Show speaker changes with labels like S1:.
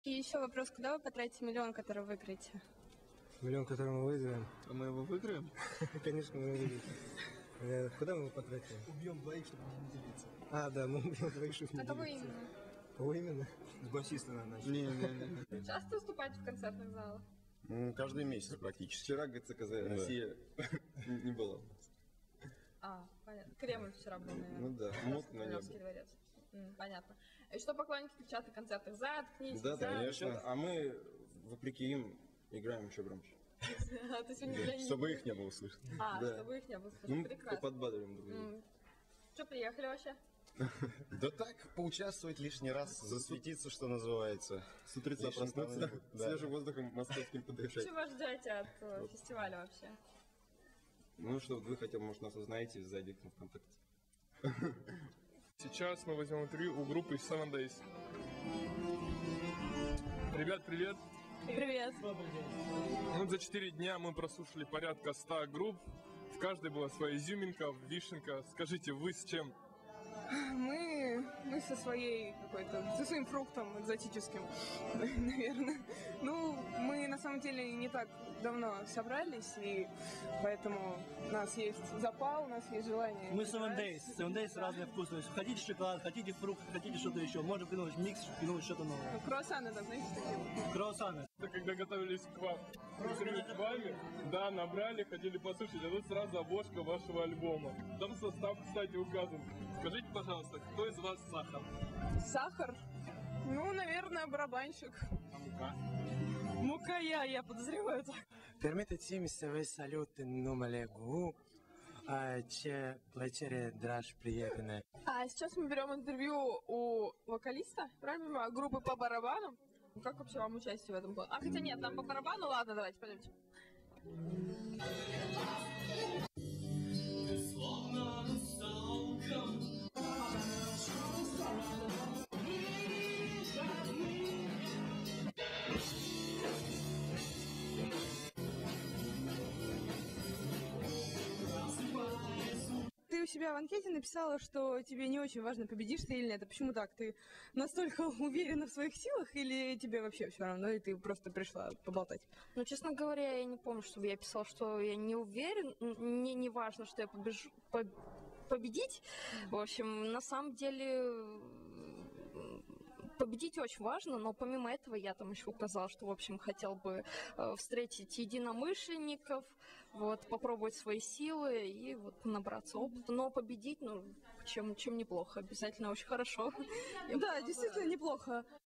S1: И еще вопрос, куда вы потратите миллион, который выиграете?
S2: Миллион, который мы выиграем.
S3: А мы его выиграем?
S2: Конечно, мы выиграем. Куда мы его потратим?
S3: Убьем двоих, чтобы не делиться.
S2: А, да, мы убьем двоих, чтобы не
S1: А кого
S2: делиться.
S1: именно?
S2: Кого именно?
S3: С басиста надо начать. Не.
S1: Часто выступаете в концертных залах?
S4: Каждый месяц практически.
S3: Вчера ГЦКЗ Россия не было.
S1: А, понятно. Кремль вчера был, наверное.
S3: Ну да, мутно не
S1: Кремлевский
S3: было.
S1: дворец. Понятно. И что поклонники кричат на концертах? Заткнись,
S3: Да,
S4: Конечно. А мы, вопреки им, играем еще громче.
S1: А ты сегодня для них.
S4: Чтобы их не было слышно.
S1: А,
S3: Да.
S1: чтобы их не было
S3: Ну,
S1: слышно.
S3: мы
S1: Прекрасно.
S3: подбадриваем друг друга.
S1: Что, приехали вообще?
S4: Да так, поучаствовать лишний раз, засветиться, что называется.
S3: С утреца
S4: Лишним
S3: проснуться,
S4: там не будет. Да.
S3: свежим воздухом московским подышать.
S1: Чего ждете от фестиваля вообще?
S3: Ну что, вы хотя бы, может, нас узнаете, зайдите в ВКонтакте.
S5: Сейчас мы возьмем интервью у группы Seven Days. Ребят, привет!
S1: Привет.
S5: Ну, за 4 дня мы прослушали порядка 100 групп. В каждой была своя изюминка, вишенка. Скажите, вы с чем?
S6: Мы со своей какой-то, со своим фруктом экзотическим, наверное. Ну, мы на самом деле не так давно собрались, и поэтому у нас есть запал, у нас есть желание.
S7: Мы Seven Days. Seven Days разные вкусы. Хотите шоколад, хотите фрукт, хотите что-то еще. Можно придумать микс, придумать что-то новое.
S6: Круассаны, да, знаете, такие.
S7: Круассаны.
S5: Когда готовились к вам, к вами, да, набрали, хотели послушать, а тут сразу обложка вашего альбома. Там состав, кстати, указан. Скажите, пожалуйста, кто из вас Сахар?
S6: Сахар? Ну, наверное, барабанщик.
S5: А мука?
S6: Мука я подозреваю так.
S2: Permettetemi se voi saluti numele Gu, ce plăcere, dragi prieteni.
S6: А сейчас мы берем интервью у вокалиста, правильно, группы по барабану. Как вообще вам участие в этом было? А, хотя нет, нам по барабану, ладно, давайте, пойдемте. Ты у себя в анкете написала, что тебе не очень важно, победишь ты или нет. А почему так? Ты настолько уверена в своих силах или тебе вообще все равно, и ты просто пришла поболтать?
S1: Ну, честно говоря, я не помню, чтобы я писала, что я не уверен. Мне не важно, что я победить. В общем, на самом деле победить очень важно, но помимо этого я там еще указала, что, в общем, хотел бы встретить единомышленников, вот, попробовать свои силы и вот набраться опыта. Но победить, ну, чем неплохо, обязательно очень хорошо.
S6: Да, действительно неплохо.